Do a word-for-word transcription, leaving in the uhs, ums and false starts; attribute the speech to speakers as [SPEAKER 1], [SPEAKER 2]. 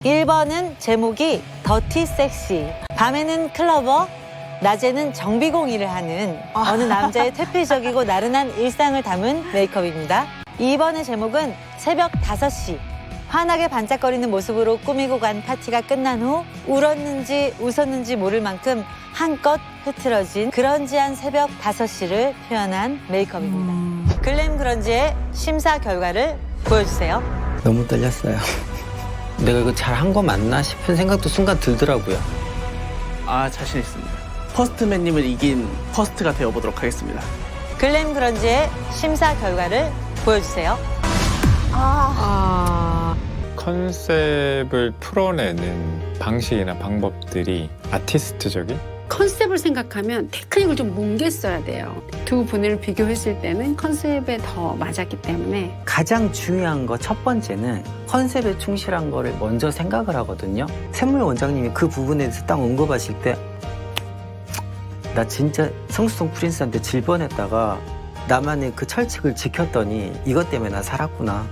[SPEAKER 1] 일 번은 제목이 더티 섹시. 밤에는 클러버, 낮에는 정비공일을 하는 어느 남자의 퇴폐적이고 나른한 일상을 담은 메이크업입니다. 이 번의 제목은 새벽 다섯 시. 환하게 반짝거리는 모습으로 꾸미고 간 파티가 끝난 후 울었는지 웃었는지 모를 만큼 한껏 흐트러진 그런지한 새벽 다섯 시를 표현한 메이크업입니다. 음... 글램 그런지의 심사 결과를 보여주세요.
[SPEAKER 2] 너무 떨렸어요. 내가 이거 잘 한 거 맞나 싶은 생각도 순간 들더라고요.
[SPEAKER 3] 아, 자신 있습니다. 퍼스트맨님을 이긴 퍼스트가 되어보도록 하겠습니다.
[SPEAKER 1] 글램 그런지의 심사 결과를 보여주세요.
[SPEAKER 4] 아... 컨셉을 풀어내는 방식이나 방법들이 아티스트적인?
[SPEAKER 5] 컨셉을 생각하면 테크닉을 좀 뭉개써야 돼요. 두 분을 비교했을 때는 컨셉에 더 맞았기 때문에
[SPEAKER 2] 가장 중요한 거 첫 번째는 컨셉에 충실한 거를 먼저 생각을 하거든요. 샘물 원장님이 그 부분에 대해서 딱 언급하실 때 나 진짜 성수동 프린스한테 질 뻔했다가 나만의 그 철칙을 지켰더니 이것 때문에 나 살았구나.